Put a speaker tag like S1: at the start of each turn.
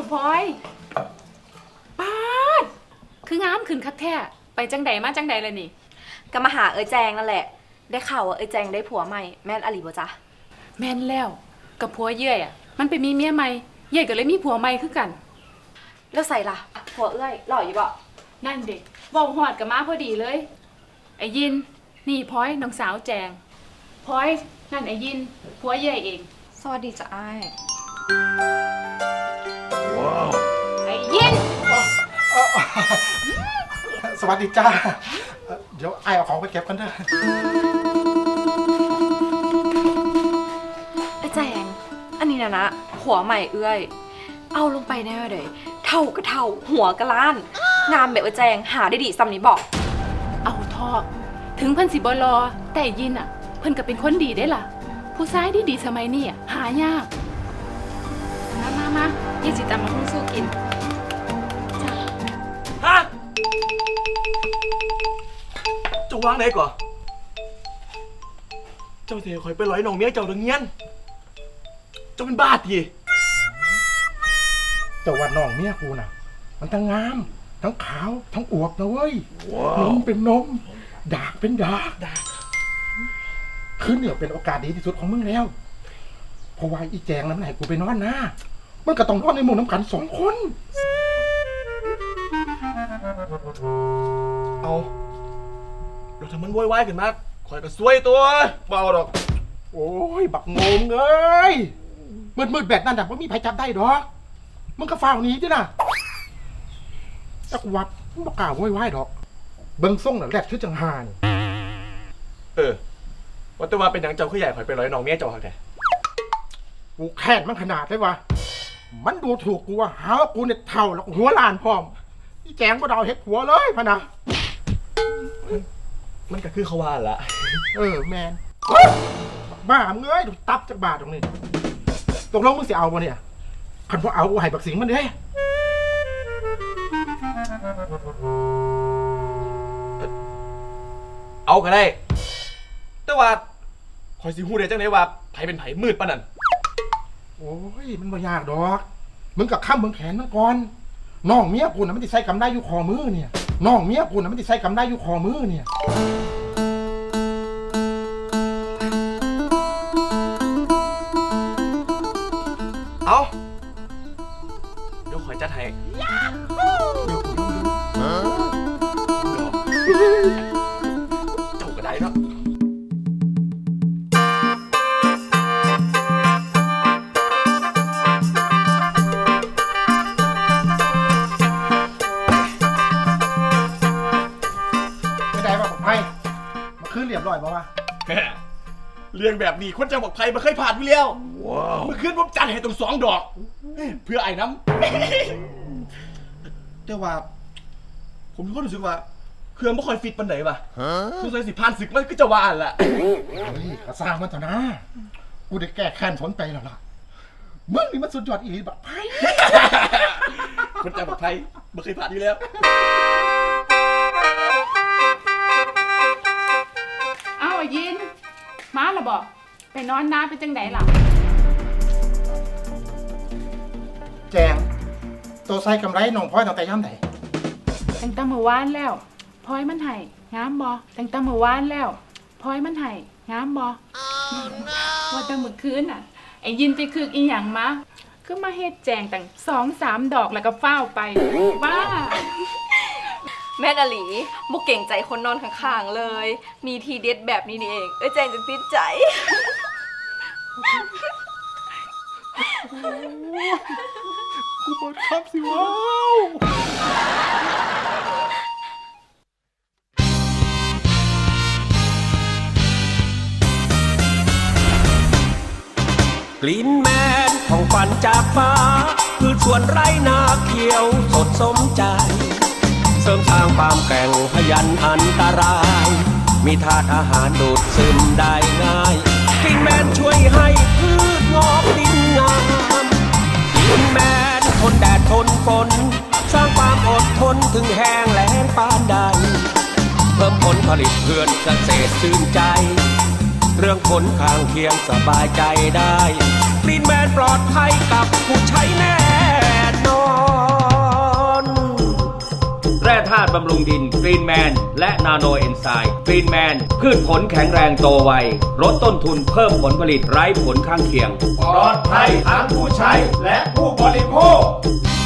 S1: พลอยป้าดคืองามขึ้นคักแท้ไปจังใดมาจังใดเลยนี่
S2: ก็มาหาแจงนั่นแหละได้ข่าวว่าแจงได้ผัวใหม่แม่นอลีบ่จ๊ะ
S1: แม่นแล้วกับผัวเยื่อยมันไปมีเมียใหม่เยื่อยก็เลยมีผัวใหม่คือกัน
S2: แล้วใส่ล่ะผัวหล่ออยู่บ่
S1: นั่นเด็กบอกหอดกับมาพอดีเลยไอ้ยินนี่พลอยน้องสาวแจงพลอยนั่นไอ้ยินผัวเยื่อยเอง
S2: สวัสดีจ้ะอ้าย
S1: ไอ้ยิน
S3: สวัสดีจ้าเดี๋ยวไอเอาของไปเก็บกันเถอะ
S2: แจงอันนี้นะหัวใหม่เอาลงไปแน่เลยเท่าก็เท่าหัวก็ล้านงามแบบแจงหาได้ดีซ้ำนี้บอก
S1: เอาทอถึงเพิ่นสิบ่รอแต่ยินเพิ่นก็เป็นคนดีได้ล่ะผู้ชายดีสมัยนี้หายากมาเยี่สิตามมาหุ้งสู้กิน
S4: ฮะจะวางไหนก่อนเจ้าเสียคอยไปร้อยน้องเมียเจ้าดังเงี้ยนเจ้าเป็นบ้าที
S3: เจ้าว่าน้องเมียกูน่ะมันทั้งงามทั้งขาวทั้งอวบนะเว้ยนมเป็นนมดากเป็นดากคือเนี่ยเป็นโอกาสดีที่สุดของมึงแล้วเพราะว่าอีแจงนั้นไหนกูไปนอนนะมันก็ต้องนอนในหมู่น้ำกัน2 คน
S4: เอาเราทำมันวายขึ้นมาคอยก็ซวยตัวเบาดอก
S3: โอ้ยบักงงเลยมืดแบบนั้นแต่ว่ามีใครจับได้ดอกมึงก็ฝ่าหนีดินะจักวัดมึงบอกกล่าววายดอกเบิ้งส่งน่ะแรดชื่อจังหาน
S4: ว่าแต่ว่าเป็นอย่างเจ้าขึ้นใหญ่คอยไปร้อยน้องเมียเจ้าหักแต่
S3: กูแค้นมันขนาดเลยวะมันดูถูกกูว่าหาว่ากูเนี่ยเท่าแล้วหัวล้านพร้อมนี่แจงก็ดาวเห็ดหัวเลยพะนะ
S4: มันก็คือเขาว่าละ
S3: แมนบ้ามึงเอ้ยดูตับจากบาทตรงนี้ตกลงมึงสิเอาบ่เนี่ยคันพอเอากูให้บักสิงมันเด้
S4: เอาก็ได้แต่ว่าคอยสิฮู้ได้จังได๋ว่าไผเป็นไผมืดปานนั้น
S3: โอ้ยมันบ่ยากดอกมึงกับข้ามมึงแขนมันก่อนน้องเมียกูน่ะมันสิใส่กำได้อยู่คอมือเนี่ยน้องเมียกูน่ะมันสิใส่กำได้อยู่คอมือเนี่ย
S4: เอาเดี๋ยวคอยจัดให้เจ้าก็ได้เนาะ
S3: เรียบร้อยป่าวะ
S4: เรื่องแบบนี้คนจังบอกไพ่มาเคยผ่านไปแล้วเมื่อคืนผมจัดให้ตรง2 ดอกเพื่อไอ้น้ำแต่ว่าผมก็รู้สึกว่าเครื่องไม่ค่อยฟิตปันไหนป่ะสงสัยสิผ่านศึกมันก็จะว่าแหละ
S3: กระซ่างมันเถอะนะกูได้แก้แค้นผลไปแล้วล่ะมึงนี่มันสุดยอดอีหลีบักไพ่
S4: คนจังบอกไพ่ไม่เคยผ่านอยู่แล้ว
S1: ยินมาละบอกไปนอนน้าเป็นจังไดล่ะ
S3: แจงตัวใส่กำไรน้องพลอยตั้งแต่ย่ำไหน
S1: ตั้งแต่เมื่อวานแล้วพลอยมันไห้งามบ่ตั้งแต่เมื่อวานแล้วพลอยมันไห้งามบ่ว่าแต่เมื่อคืนไอ้ยินไปคืออีหยังมาคือมาเฮ็ดแจงตั้ง2-3 ดอกแล้วก็เฝ้าไปบ้า
S2: แม่นอลีบุกเก่งใจคนนอนข้างๆเลยมีทีเด็ดแบบนี้นี่เองแจงจะติดใจ
S3: กูเปิดคับสิว้าว
S5: กลิ่นแมนของฝันจากฟ้าคือสวนไร่นาเขียวสดสมใจเสริมสร้างความแกร่งพยันอันตรายมีธาตุอาหารดูดซึมได้ง่ายกลิ่นแมนช่วยให้พืชงอกดินงามกลิ่นแมนทนแดดทนฝนสร้างความอดทนถึงแห้งแล้งปานใดเพิ่มผลผลิตเพื่อนเกษตรชื่นใจเรื่องผลข้างเคียงสบายใจได้กรีนแมนปลอดภัยกับผู้ใช้แน่นอน
S6: แร่ธาตุบำรุงดินกรีนแมนและนาโนเอนไซม์กรีนแมนพืชผลแข็งแรงโตไวลดต้นทุนเพิ่มผลผลิตไร้ผลข้างเคียง
S4: ปลอดภัยทั้งผู้ใช้และผู้บริโภค